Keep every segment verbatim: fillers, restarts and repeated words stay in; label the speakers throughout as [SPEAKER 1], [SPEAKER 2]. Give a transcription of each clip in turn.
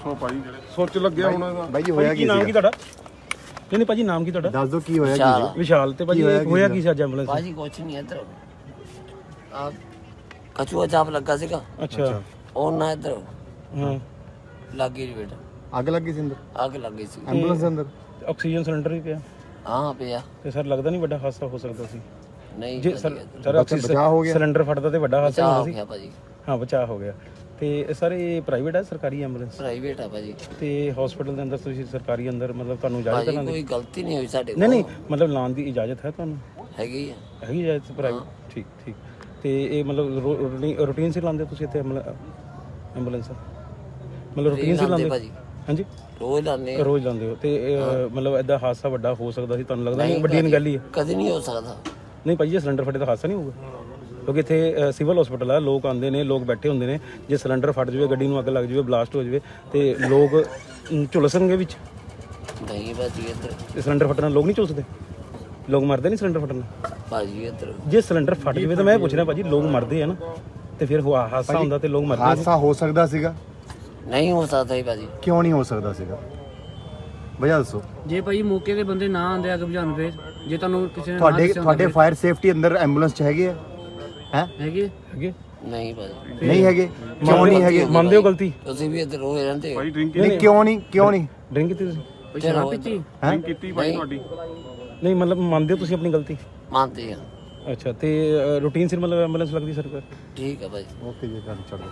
[SPEAKER 1] ਦੱਸੋ ਭਾਈ ਸੋਚ ਲੱਗਿਆ ਹੁਣ ਇਹਦਾ
[SPEAKER 2] ਬਾਈ ਜੀ ਹੋਇਆ ਕੀ
[SPEAKER 3] ਨਾਮ ਕੀ ਤੁਹਾਡਾ? ਨਹੀਂ ਨਹੀਂ ਭਾਜੀ ਨਾਮ ਕੀ ਤੁਹਾਡਾ?
[SPEAKER 2] ਦੱਸ ਦਿਓ ਕੀ ਹੋਇਆ ਕੀ
[SPEAKER 3] ਵਿਸ਼ਾਲ। ਤੇ ਭਾਜੀ ਹੋਇਆ ਕੀ ਸੀ ਅੱਜ ਐਂਬੂਲੈਂਸ?
[SPEAKER 4] ਭਾਜੀ ਕੁਛ ਨਹੀਂ ਇੱਧਰ ਆ ਕਚੂਆ ਚਾਪ ਲੱਗਾ ਸੀਗਾ।
[SPEAKER 3] ਅੱਛਾ
[SPEAKER 4] ਉਹ ਨਾ ਇੱਧਰ
[SPEAKER 3] ਹਾਂ
[SPEAKER 4] ਲੱਗੀ ਜੀ ਬੇਟਾ,
[SPEAKER 2] ਅੱਗ ਲੱਗੀ ਸੀ ਅੰਦਰ
[SPEAKER 4] ਅੱਗ ਲੱਗੀ ਸੀ।
[SPEAKER 2] ਐਂਬੂਲੈਂਸ ਦੇ ਅੰਦਰ
[SPEAKER 3] ਆਕਸੀਜਨ ਸਿਲੰਡਰ ਵੀ ਪਿਆ
[SPEAKER 4] ਹਾਂ ਪਿਆ।
[SPEAKER 3] ਤੇ ਸਰ ਲੱਗਦਾ ਨਹੀਂ ਵੱਡਾ ਹਾਦਸਾ ਹੋ ਸਕਦਾ ਸੀ?
[SPEAKER 4] ਨਹੀਂ
[SPEAKER 3] ਜੇ ਸਰ ਸਰ
[SPEAKER 2] ਬਚਾਅ ਹੋ ਗਿਆ
[SPEAKER 3] ਸਿਲੰਡਰ ਫਟਦਾ ਤੇ ਵੱਡਾ ਹਾਦਸਾ
[SPEAKER 4] ਬਚਾਅ
[SPEAKER 3] ਹੋਣਾ
[SPEAKER 4] ਹੋ
[SPEAKER 3] ਸੀ।
[SPEAKER 4] ਗਿਆ ਭਾਜੀ,
[SPEAKER 3] ਹਾਂ ਬਚਾਅ ਹੋ ਗਿਆ। ਤੇ ਸਰ ਇਹ ਪ੍ਰਾਈਵੇਟ ਹੈ ਸਰਕਾਰੀ ਐਂਬੂਲੈਂਸ?
[SPEAKER 4] ਪ੍ਰਾਈਵੇਟ ਆ ਭਾਜੀ।
[SPEAKER 3] ਤੇ ਹਸਪੀਟਲ ਦੇ ਅੰਦਰ ਤੁਸੀਂ ਸਰਕਾਰੀ ਅੰਦਰ ਮਤਲਬ ਤੁਹਾਨੂੰ ਇਜਾਜ਼ਤ
[SPEAKER 4] ਭਾਜੀ
[SPEAKER 3] ਹੈ?
[SPEAKER 4] ਕੋਈ ਗਲਤੀ ਨਹੀਂ ਹੋਈ ਸਾਡੇ
[SPEAKER 3] ਨਹੀਂ ਨਹੀਂ ਮਤਲਬ ਲਾਉਣ ਦੀ ਇਜਾਜ਼ਤ ਹੈ ਤੁਹਾਨੂੰ?
[SPEAKER 4] ਹੈਗੀ ਆ।
[SPEAKER 3] ਹੈਗੀ ਇਜਾਜ਼ਤ ਪ੍ਰਾਈਵੇਟ? ਠੀਕ ਠੀਕ। ਤੇ ਇਹ ਮਤਲਬ ਰੂਟੀਨ ਸੀ ਲਾਉਂਦੇ ਤੁਸੀਂ ਇੱਥੇ ਐਂਬੂਲੈਂਸ? ਮਤਲਬ ਰੂਟੀਨ ਸੀ ਲਾਉਂਦੇ
[SPEAKER 4] ਭਾਜੀ?
[SPEAKER 3] ਹਾਂਜੀ
[SPEAKER 4] ਰੋਜ਼ ਲਾਉਂਦੇ
[SPEAKER 3] ਰੋਜ਼ ਲਾਉਂਦੇ ਹੋ। ਤੇ ਇਹ, ਮਤਲਬ ਐਦਾਂ ਹਾਦਸਾ ਵੱਡਾ ਹੋ ਸਕਦਾ ਸੀ ਤੁਹਾਨੂੰ ਲੱਗਦਾ ਨਹੀਂ? ਵੱਡੀ ਗੱਲ ਹੀ ਹੈ।
[SPEAKER 4] ਕਦੇ ਨਹੀਂ ਹੋ ਸਕਦਾ।
[SPEAKER 3] ਨਹੀਂ ਭਾਈ ਜੇ ਸਿਲੰਡਰ ਫਟੇ ਤਾਂ ਹਾਦਸਾ ਨਹੀਂ ਹੋਊਗਾ? ਕਿਉਂਕਿ ਇੱਥੇ ਸਿਵਲ ਹਸਪੀਟਲ ਆ, ਲੋਕ ਆਉਂਦੇ ਨੇ, ਲੋਕ ਬੈਠੇ ਹੁੰਦੇ ਨੇ। ਜੇ ਸਿਲੰਡਰ ਫਟ ਜਾਵੇ, ਗੱਡੀ ਨੂੰ ਅੱਗ ਲੱਗ ਜਾਵੇ, ਬਲਾਸਟ ਹੋ ਜਾਵੇ ਤੇ ਲੋਕ ਝੁਲਸਣਗੇ ਵਿੱਚ।
[SPEAKER 4] ਨਹੀਂ ਭਾਜੀ ਇੱਧਰ
[SPEAKER 3] ਤੇ ਸਿਲੰਡਰ ਫਟਣ ਨਾਲ ਲੋਕ ਨਹੀਂ ਝੁਲਸਦੇ? ਲੋਕ ਮਰਦੇ ਨਹੀਂ ਸਿਲੰਡਰ ਫਟਣ ਨਾਲ?
[SPEAKER 4] ਭਾਜੀ ਇੱਧਰ
[SPEAKER 3] ਜੇ ਸਿਲੰਡਰ ਫਟ ਜਾਵੇ ਤਾਂ ਮੈਂ ਪੁੱਛ ਰਿਹਾ ਭਾਜੀ, ਲੋਕ ਮਰਦੇ ਆ ਨਾ, ਤੇ ਫਿਰ ਹਾਦਸਾ ਹੁੰਦਾ ਤੇ ਲੋਕ ਮਰਦੇ ਨੇ।
[SPEAKER 2] ਹਾਦਸਾ ਹੋ ਸਕਦਾ ਸੀਗਾ?
[SPEAKER 4] ਨਹੀਂ ਹੋ ਸਕਦਾ ਹੀ ਭਾਜੀ।
[SPEAKER 2] ਕਿਉਂ ਨਹੀਂ ਹੋ ਸਕਦਾ ਸੀਗਾ ਵਜ੍ਹਾ ਦੱਸੋ।
[SPEAKER 5] ਜੇ ਭਾਈ ਮੌਕੇ ਤੇ ਬੰਦੇ ਨਾ ਆਂਦੇ ਅੱਗ ਬੁਝਾਉਣ, ਫੇਰ ਜੇ ਤੁਹਾਨੂੰ ਕਿਸੇ ਨੇ
[SPEAKER 2] ਤੁਹਾਡੇ ਤੁਹਾਡੇ ਫਾਇਰ ਸੇਫਟੀ ਅੰਦਰ ਐਂਬੂਲੈਂਸ ਚ ਹੈਗੇ ਆ? ਹੈ
[SPEAKER 5] ਹੈਗੇ
[SPEAKER 3] ਹੈਗੇ?
[SPEAKER 4] ਨਹੀਂ ਭਾਜੀ
[SPEAKER 2] ਨਹੀਂ ਹੈਗੇ? ਕਿਉਂ ਨਹੀਂ ਹੈਗੇ?
[SPEAKER 4] ਮੰਨਦੇ
[SPEAKER 3] ਹੋ ਗਲਤੀ?
[SPEAKER 4] ਤੁਸੀਂ ਵੀ ਇੱਧਰ ਰੋਜ਼ ਰਹਿੰਦੇ ਹੋ।
[SPEAKER 1] ਭਾਈ ਡਰਿੰਕ
[SPEAKER 2] ਨਹੀਂ ਕਿਉਂ ਨਹੀਂ ਕਿਉਂ ਨਹੀਂ
[SPEAKER 3] ਡਰਿੰਕ ਕੀਤੀ ਤੁਸੀਂ?
[SPEAKER 5] ਕੋਈ ਸ਼ਰਾਬ ਪੀਤੀ?
[SPEAKER 2] ਹੈ
[SPEAKER 1] ਕੀਤੀ ਭਾਈ ਤੁਹਾਡੀ?
[SPEAKER 3] ਨਹੀਂ ਮਤਲਬ ਮੰਨਦੇ ਹੋ ਤੁਸੀਂ ਆਪਣੀ ਗਲਤੀ?
[SPEAKER 4] ਮੰਨਦੇ ਆ।
[SPEAKER 3] ਅੱਛਾ ਤੇ ਰੂਟੀਨ ਸਿਰ ਮਤਲਬ ਐਂਬੂਲੈਂਸ ਲੱਗਦੀ ਸਰਕਾਰ?
[SPEAKER 4] ਠੀਕ ਆ ਭਾਜੀ।
[SPEAKER 2] ਓਕੇ ਜੀ ਗੱਲ ਚਲੋ।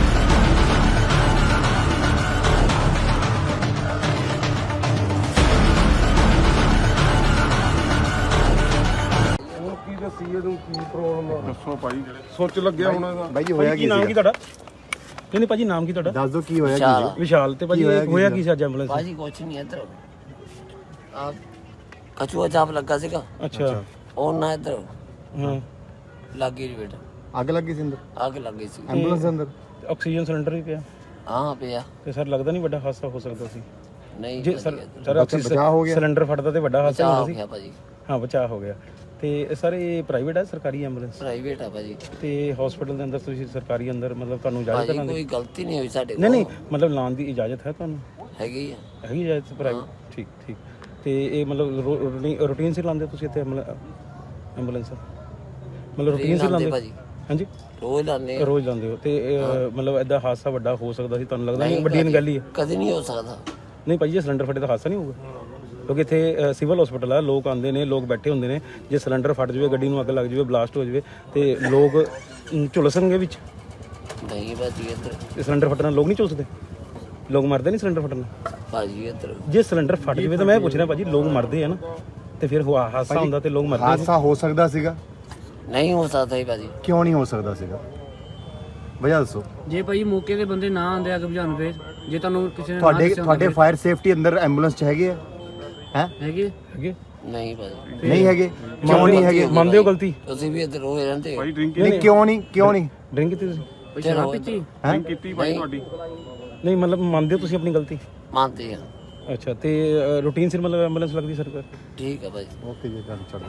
[SPEAKER 1] ਕੀ ਦੱਸੀ ਇਹਨੂੰ ਕੀ ਪ੍ਰੋਬਲਮ ਦੱਸੋ ਭਾਈ ਸੋਚ ਲੱਗਿਆ ਹੁਣ ਇਹਦਾ
[SPEAKER 2] ਬਾਈ ਜੀ ਹੋਇਆ ਕੀ
[SPEAKER 3] ਨਾਮ ਕੀ ਤੁਹਾਡਾ? ਨਹੀਂ ਨਹੀਂ ਭਾਜੀ ਨਾਮ ਕੀ ਤੁਹਾਡਾ?
[SPEAKER 2] ਦੱਸ ਦਿਓ ਕੀ ਹੋਇਆ
[SPEAKER 4] ਵਿਸ਼ਾਲ।
[SPEAKER 2] ਕੀ
[SPEAKER 3] ਵਿਸ਼ਾਲ। ਤੇ ਭਾਜੀ ਹੋਇਆ ਕੀ ਸੀ ਅੱਜ ਐਂਬੂਲੈਂਸ?
[SPEAKER 4] ਭਾਜੀ ਕੁਛ ਨਹੀਂ ਇੱਧਰ ਆ ਕਚੂਆ ਚਾਪ ਲੱਗਾ ਸੀਗਾ।
[SPEAKER 3] ਅੱਛਾ
[SPEAKER 4] ਉਹ ਨਾ ਇੱਧਰ
[SPEAKER 3] ਹਾਂ
[SPEAKER 4] ਲੱਗੀ ਜੀ ਬੇਟਾ,
[SPEAKER 2] ਅੱਗ ਲੱਗੀ ਸੀ ਅੰਦਰ
[SPEAKER 4] ਅੱਗ ਲੱਗੀ ਸੀ।
[SPEAKER 2] ਐਂਬੂਲੈਂਸ ਦੇ ਅੰਦਰ
[SPEAKER 3] ਆਕਸੀਜਨ ਸਿਲੰਡਰ ਵੀ ਪਿਆ
[SPEAKER 4] ਹਾਂ ਪਿਆ।
[SPEAKER 3] ਤੇ ਸਰ ਲੱਗਦਾ ਨਹੀਂ ਵੱਡਾ ਹਾਦਸਾ ਹੋ ਸਕਦਾ ਸੀ?
[SPEAKER 4] ਨਹੀਂ
[SPEAKER 3] ਜੇ ਸਰ ਸਰ
[SPEAKER 2] ਬਚਾਅ ਹੋ ਗਿਆ
[SPEAKER 3] ਸਿਲੰਡਰ ਫਟਦਾ ਤੇ ਵੱਡਾ ਹਾਦਸਾ
[SPEAKER 4] ਬਚਾਅ
[SPEAKER 3] ਹੋਣਾ
[SPEAKER 4] ਹੋ
[SPEAKER 3] ਸੀ।
[SPEAKER 4] ਗਿਆ ਭਾਜੀ।
[SPEAKER 3] ਹਾਂ ਬਚਾਅ ਹੋ ਗਿਆ। ਤੇ ਸਰ ਇਹ ਪ੍ਰਾਈਵੇਟ ਹੈ ਸਰਕਾਰੀ ਐਂਬੂਲੈਂਸ?
[SPEAKER 4] ਪ੍ਰਾਈਵੇਟ ਆ ਭਾਜੀ।
[SPEAKER 3] ਤੇ ਹਸਪੀਟਲ ਦੇ ਅੰਦਰ ਤੁਸੀਂ ਸਰਕਾਰੀ ਅੰਦਰ ਮਤਲਬ ਤੁਹਾਨੂੰ ਇਜਾਜ਼ਤ
[SPEAKER 4] ਭਾਜੀ
[SPEAKER 3] ਹੈ?
[SPEAKER 4] ਕੋਈ ਗਲਤੀ ਨਹੀਂ ਹੋਈ ਸਾਡੇ
[SPEAKER 3] ਨਹੀਂ ਨਹੀਂ ਮਤਲਬ ਲਾਉਣ ਦੀ ਇਜਾਜ਼ਤ ਹੈ ਤੁਹਾਨੂੰ?
[SPEAKER 4] ਹੈਗੀ ਆ।
[SPEAKER 3] ਹੈਗੀ ਇਜਾਜ਼ਤ ਪ੍ਰਾਈਵੇਟ? ਠੀਕ ਠੀਕ। ਤੇ ਇਹ ਮਤਲਬ ਰੂਟੀਨ ਸੀ ਲਾਉਂਦੇ ਤੁਸੀਂ ਇੱਥੇ ਐਂਬੂਲੈਂਸ? ਮਤਲਬ ਰੂਟੀਨ ਸੀ ਲਾਉਂਦੇ
[SPEAKER 4] ਭਾਜੀ?
[SPEAKER 3] ਹਾਂਜੀ
[SPEAKER 4] ਰੋਜ਼ ਲਾਉਂਦੇ ਆ।
[SPEAKER 3] ਰੋਜ਼ ਲਾਉਂਦੇ ਹੋ। ਤੇ ਇਹ, ਮਤਲਬ ਐਦਾਂ ਹਾਦਸਾ ਵੱਡਾ ਹੋ ਸਕਦਾ ਸੀ ਤੁਹਾਨੂੰ ਲੱਗਦਾ ਨਹੀਂ? ਵੱਡੀ ਗੱਲ ਹੀ ਹੈ।
[SPEAKER 4] ਕਦੇ ਨਹੀਂ ਹੋ ਸਕਦਾ।
[SPEAKER 3] ਨਹੀਂ ਭਾਈ ਜੇ ਸਿਲੰਡਰ ਫਟੇ ਤਾਂ ਹਾਦਸਾ ਨਹੀਂ ਹੋਊਗਾ? ਕਿਉਂਕਿ ਇੱਥੇ ਸਿਵਲ ਹਸਪੀਟਲ ਆ, ਲੋਕ ਆਉਂਦੇ ਨੇ, ਲੋਕ ਬੈਠੇ ਹੁੰਦੇ ਨੇ। ਜੇ ਸਿਲੰਡਰ ਫਟ ਜਾਵੇ, ਗੱਡੀ ਨੂੰ ਅੱਗ ਲੱਗ ਜਾਵੇ, ਬਲਾਸਟ ਹੋ ਜਾਵੇ ਤੇ ਲੋਕ ਝੁਲਸਣਗੇ ਵਿੱਚ।
[SPEAKER 4] ਨਹੀਂ ਭਾਜੀ ਇੱਧਰ
[SPEAKER 3] ਤੇ ਸਿਲੰਡਰ ਫਟਣ ਨਾਲ ਲੋਕ ਨਹੀਂ ਝੁਲਸਦੇ? ਲੋਕ ਮਰਦੇ ਨਹੀਂ ਸਿਲੰਡਰ ਫਟਣ ਨਾਲ?
[SPEAKER 4] ਭਾਜੀ ਇੱਧਰ
[SPEAKER 3] ਜੇ ਸਿਲੰਡਰ ਫਟ ਜਾਵੇ ਤਾਂ ਮੈਂ ਪੁੱਛ ਰਿਹਾ ਭਾਜੀ, ਲੋਕ ਮਰਦੇ ਆ ਨਾ, ਤੇ ਫਿਰ ਹਾਦਸਾ ਹੁੰਦਾ ਤੇ ਲੋਕ ਮਰਦੇ ਨੇ।
[SPEAKER 2] ਹਾਦਸਾ ਹੋ ਸਕਦਾ ਸੀਗਾ?
[SPEAKER 4] ਨਹੀਂ ਹੋ ਸਕਦਾ ਹੀ ਭਾਜੀ।
[SPEAKER 2] ਕਿਉਂ ਨਹੀਂ ਹੋ ਸਕਦਾ ਸੀਗਾ ਵਜ੍ਹਾ ਦੱਸੋ।
[SPEAKER 5] ਜੇ ਭਾਈ ਮੌਕੇ ਤੇ ਬੰਦੇ ਨਾ ਆਂਦੇ ਅੱਗ ਬੁਝਾਉਣ, ਫੇਰ ਜੇ ਤੁਹਾਨੂੰ ਕਿਸੇ ਨੇ
[SPEAKER 2] ਤੁਹਾਡੇ ਤੁਹਾਡੇ ਫਾਇਰ ਸੇਫਟੀ ਅੰਦਰ ਐਂਬੂਲੈਂਸ ਚ ਹੈਗੇ ਆ? ਹੈ
[SPEAKER 5] ਹੈਗੇ?
[SPEAKER 3] ਹੈਗੇ?
[SPEAKER 4] ਨਹੀਂ ਭਾਜੀ
[SPEAKER 2] ਨਹੀਂ ਹੈਗੇ? ਕਿਉਂ ਨਹੀਂ ਹੈਗੇ?
[SPEAKER 3] ਮੰਨਦੇ ਹੋ ਗਲਤੀ?
[SPEAKER 4] ਤੁਸੀਂ ਵੀ ਇੱਧਰ ਰੋਜ਼ ਰਹਿੰਦੇ ਹੋ।
[SPEAKER 1] ਭਾਈ ਡਰਿੰਕ
[SPEAKER 2] ਨਹੀਂ ਕਿਉਂ ਨਹੀਂ ਕਿਉਂ ਨਹੀਂ
[SPEAKER 3] ਡਰਿੰਕ ਕੀਤੀ ਤੁਸੀਂ?
[SPEAKER 5] ਕੋਈ ਸ਼ਰਾਬ ਪੀਤੀ?
[SPEAKER 2] ਹੈ
[SPEAKER 1] ਕੀਤੀ ਭਾਈ ਤੁਹਾਡੀ?
[SPEAKER 3] ਨਹੀਂ ਮਤਲਬ ਮੰਨਦੇ ਹੋ ਤੁਸੀਂ ਆਪਣੀ ਗਲਤੀ?
[SPEAKER 4] ਮੰਨਦੇ ਆ।
[SPEAKER 3] ਅੱਛਾ ਤੇ ਰੂਟੀਨ ਸਿਰ ਮਤਲਬ ਐਂਬੂਲੈਂਸ ਲੱਗਦੀ ਸਰਕਾਰ?
[SPEAKER 4] ਠੀਕ ਆ ਭਾਜੀ।
[SPEAKER 2] ਓਕੇ ਜੀ ਗੱਲ ਚਲੋ।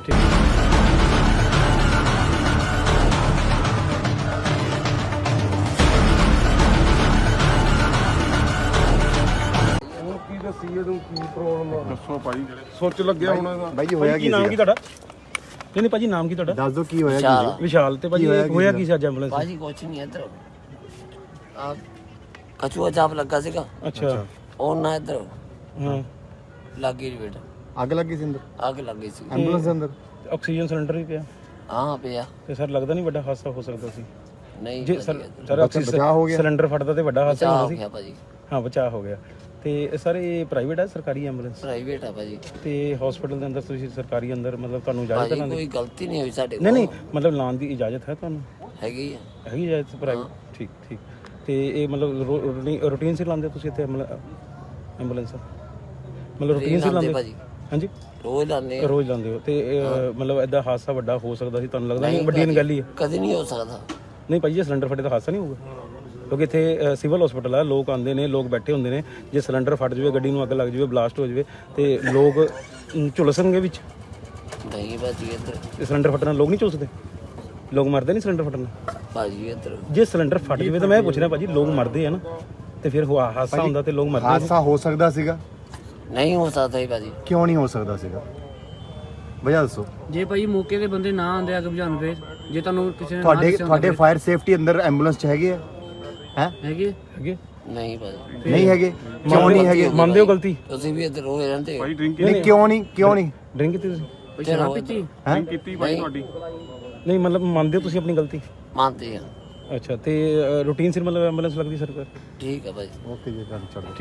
[SPEAKER 1] ਕੀ ਦੱਸੀ ਇਹਨੂੰ ਕੀ ਪ੍ਰੋਬਲਮ ਦੱਸੋ ਭਾਈ ਸੋਚ ਲੱਗਿਆ ਹੁਣ ਇਹਦਾ
[SPEAKER 2] ਬਾਈ ਜੀ ਹੋਇਆ ਕੀ
[SPEAKER 3] ਨਾਮ ਕੀ ਤੁਹਾਡਾ? ਨਹੀਂ ਨਹੀਂ ਭਾਜੀ ਨਾਮ ਕੀ ਤੁਹਾਡਾ?
[SPEAKER 2] ਦੱਸ ਦਿਓ ਕੀ ਹੋਇਆ ਕੀ
[SPEAKER 3] ਵਿਸ਼ਾਲ। ਤੇ ਭਾਜੀ ਹੋਇਆ ਕੀ ਸੀ ਅੱਜ ਐਂਬੂਲੈਂਸ?
[SPEAKER 4] ਭਾਜੀ ਕੁਛ ਨਹੀਂ ਇੱਧਰ ਆ ਕਚੂਆ ਚਾਪ ਲੱਗਾ ਸੀਗਾ।
[SPEAKER 3] ਅੱਛਾ
[SPEAKER 4] ਉਹ ਨਾ ਇੱਧਰ
[SPEAKER 3] ਹਾਂ
[SPEAKER 4] ਲੱਗੀ ਜੀ ਬੇਟਾ,
[SPEAKER 2] ਅੱਗ ਲੱਗੀ ਸੀ ਅੰਦਰ
[SPEAKER 4] ਅੱਗ ਲੱਗੀ ਸੀ।
[SPEAKER 2] ਐਂਬੂਲੈਂਸ ਦੇ ਅੰਦਰ
[SPEAKER 3] ਆਕਸੀਜਨ ਸਿਲੰਡਰ ਵੀ ਪਿਆ
[SPEAKER 4] ਹਾਂ ਪਿਆ।
[SPEAKER 3] ਤੇ ਸਰ ਲੱਗਦਾ ਨਹੀਂ ਵੱਡਾ ਹਾਦਸਾ ਹੋ ਸਕਦਾ ਸੀ?
[SPEAKER 4] ਨਹੀਂ
[SPEAKER 3] ਜੇ ਸਰ ਸਰ
[SPEAKER 2] ਬਚਾਅ ਹੋ ਗਿਆ
[SPEAKER 3] ਸਿਲੰਡਰ ਫਟਦਾ ਤੇ ਵੱਡਾ ਹਾਦਸਾ
[SPEAKER 4] ਬਚਾਅ
[SPEAKER 3] ਹੋਣਾ
[SPEAKER 4] ਹੋ
[SPEAKER 3] ਸੀ।
[SPEAKER 4] ਗਿਆ ਭਾਜੀ।
[SPEAKER 3] ਹਾਂ ਬਚਾਅ ਹੋ ਗਿਆ। ਤੇ ਸਰ ਇਹ ਪ੍ਰਾਈਵੇਟ ਹੈ ਸਰਕਾਰੀ ਐਂਬੂਲੈਂਸ?
[SPEAKER 4] ਪ੍ਰਾਈਵੇਟ ਆ ਭਾਜੀ।
[SPEAKER 3] ਤੇ ਹਸਪੀਟਲ ਦੇ ਅੰਦਰ ਤੁਸੀਂ ਸਰਕਾਰੀ ਅੰਦਰ ਮਤਲਬ ਤੁਹਾਨੂੰ ਇਜਾਜ਼ਤ
[SPEAKER 4] ਭਾਜੀ
[SPEAKER 3] ਹੈ?
[SPEAKER 4] ਕੋਈ ਗਲਤੀ ਨਹੀਂ ਹੋਈ ਸਾਡੇ
[SPEAKER 3] ਨਹੀਂ ਨਹੀਂ ਮਤਲਬ ਲਾਉਣ ਦੀ ਇਜਾਜ਼ਤ ਹੈ ਤੁਹਾਨੂੰ?
[SPEAKER 4] ਹੈਗੀ ਆ।
[SPEAKER 3] ਹੈਗੀ ਇਜਾਜ਼ਤ ਪ੍ਰਾਈਵੇਟ? ਠੀਕ ਠੀਕ। ਤੇ ਇਹ ਮਤਲਬ ਰੂਟੀਨ ਸਿਰ ਲਾਉਂਦੇ ਤੁਸੀਂ ਇੱਥੇ ਐਂਬੂਲੈਂਸ? ਮਤਲਬ ਰੂਟੀਨ ਸਿਰ ਲਾਉਂਦੇ
[SPEAKER 4] ਭਾਜੀ?
[SPEAKER 3] ਹਾਂਜੀ
[SPEAKER 4] ਰੋਜ਼ ਲਾਉਂਦੇ ਆ।
[SPEAKER 3] ਰੋਜ਼ ਲਾਉਂਦੇ ਹੋ। ਤੇ ਇਹ, ਮਤਲਬ ਐਦਾਂ ਹਾਦਸਾ ਵੱਡਾ ਹੋ ਸਕਦਾ ਸੀ ਤੁਹਾਨੂੰ ਲੱਗਦਾ ਨਹੀਂ? ਵੱਡੀ ਗੱਲ ਹੀ ਹੈ।
[SPEAKER 4] ਕਦੇ ਨਹੀਂ ਹੋ ਸਕਦਾ।
[SPEAKER 3] ਨਹੀਂ ਭਾਈ ਜੇ ਸਿਲੰਡਰ ਫਟੇ ਤਾਂ ਹਾਦਸਾ ਨਹੀਂ ਹੋਊਗਾ? ਕਿਉਂਕਿ ਇੱਥੇ ਸਿਵਲ ਹਸਪੀਟਲ ਆ, ਲੋਕ ਆਉਂਦੇ ਨੇ, ਲੋਕ ਬੈਠੇ ਹੁੰਦੇ ਨੇ। ਜੇ ਸਿਲੰਡਰ ਫਟ ਜਾਵੇ, ਗੱਡੀ ਨੂੰ ਅੱਗ ਲੱਗ ਜਾਵੇ, ਬਲਾਸਟ ਹੋ ਜਾਵੇ ਤੇ ਲੋਕ ਝੁਲਸਣਗੇ ਵਿੱਚ।
[SPEAKER 4] ਨਹੀਂ ਭਾਜੀ ਇੱਧਰ
[SPEAKER 3] ਤੇ ਸਿਲੰਡਰ ਫਟਣ ਨਾਲ ਲੋਕ ਨਹੀਂ ਝੁਲਸਦੇ? ਲੋਕ ਮਰਦੇ ਨਹੀਂ ਸਿਲੰਡਰ ਫਟਣ ਨਾਲ?
[SPEAKER 4] ਭਾਜੀ ਇੱਧਰ
[SPEAKER 3] ਜੇ ਸਿਲੰਡਰ ਫਟ ਜਾਵੇ ਤਾਂ ਮੈਂ ਪੁੱਛ ਰਿਹਾ ਭਾਜੀ, ਲੋਕ ਮਰਦੇ ਆ ਨਾ, ਤੇ ਫਿਰ ਹੁਆ- ਹਾਦਸਾ ਹੁੰਦਾ ਤੇ ਲੋਕ ਮਰਦੇ ਸੀ।
[SPEAKER 2] ਹਾਦਸਾ ਹੋ ਸਕਦਾ ਸੀਗਾ,
[SPEAKER 4] नहीं हो सकता ही भाजी।
[SPEAKER 2] ਕਿਉਂ ਨਹੀਂ ਹੋ ਸਕਦਾ ਸੀਗਾ, ਵਜ੍ਹਾ ਦੱਸੋ।
[SPEAKER 5] ਜੇ ਭਾਈ ਮੌਕੇ ਤੇ ਬੰਦੇ ਨਾ ਆਉਂਦੇ ਅੱਗ ਬੁਝਾਉਣ ਫੇਰ ਜੇ ਤੁਹਾਨੂੰ ਕਿਸੇ ਨੇ ਨਾ
[SPEAKER 2] ਤੁਹਾਡੇ
[SPEAKER 5] ਦੱਸਿਆ ਹੁੰਦਾ
[SPEAKER 2] ਤੁਹਾਡੇ
[SPEAKER 5] ਫਿਰ?
[SPEAKER 2] ਫਾਇਰ ਸੇਫਟੀ ਅੰਦਰ ਐਂਬੂਲੈਂਸ ਚ ਹੈਗੇ ਆ ਹੈ
[SPEAKER 5] ਹੈਗੇ
[SPEAKER 3] ਹੈਗੇ
[SPEAKER 4] नहीं भाजी।
[SPEAKER 2] ਨਹੀਂ ਹੈਗੇ, ਕਿਉਂ ਨਹੀਂ ਹੈਗੇ?
[SPEAKER 3] ਮੰਨਦੇ ਹੋ ਗਲਤੀ?
[SPEAKER 4] तुसी भी इधर रोए रहंदे हो।
[SPEAKER 1] ਭਾਈ ਡਰਿੰਕ
[SPEAKER 2] ਨਹੀਂ ਕਿਉਂ ਨਹੀਂ ਕਿਉਂ ਨਹੀਂ
[SPEAKER 3] ਡਰਿੰਕ ਕੀਤੀ ਤੁਸੀਂ?
[SPEAKER 5] ਕੋਈ ਸ਼ਰਾਬ ਪੀਤੀ
[SPEAKER 2] ਹੈ
[SPEAKER 1] ਕੀਤੀ ਭਾਈ ਤੁਹਾਡੀ
[SPEAKER 3] ਨਹੀਂ ਮਤਲਬ ਮੰਨਦੇ ਹੋ ਤੁਸੀਂ ਆਪਣੀ ਗਲਤੀ?
[SPEAKER 4] मानते हैं।
[SPEAKER 3] ਅੱਛਾ ਤੇ ਰੂਟੀਨ ਸਿਰ ਮਤਲਬ ਐਂਬੂਲੈਂਸ ਲੱਗਦੀ ਸਰਕਾਰ?
[SPEAKER 4] ठीक है भाई।
[SPEAKER 2] ਓਕੇ ਜੀ, ਚਲੋ।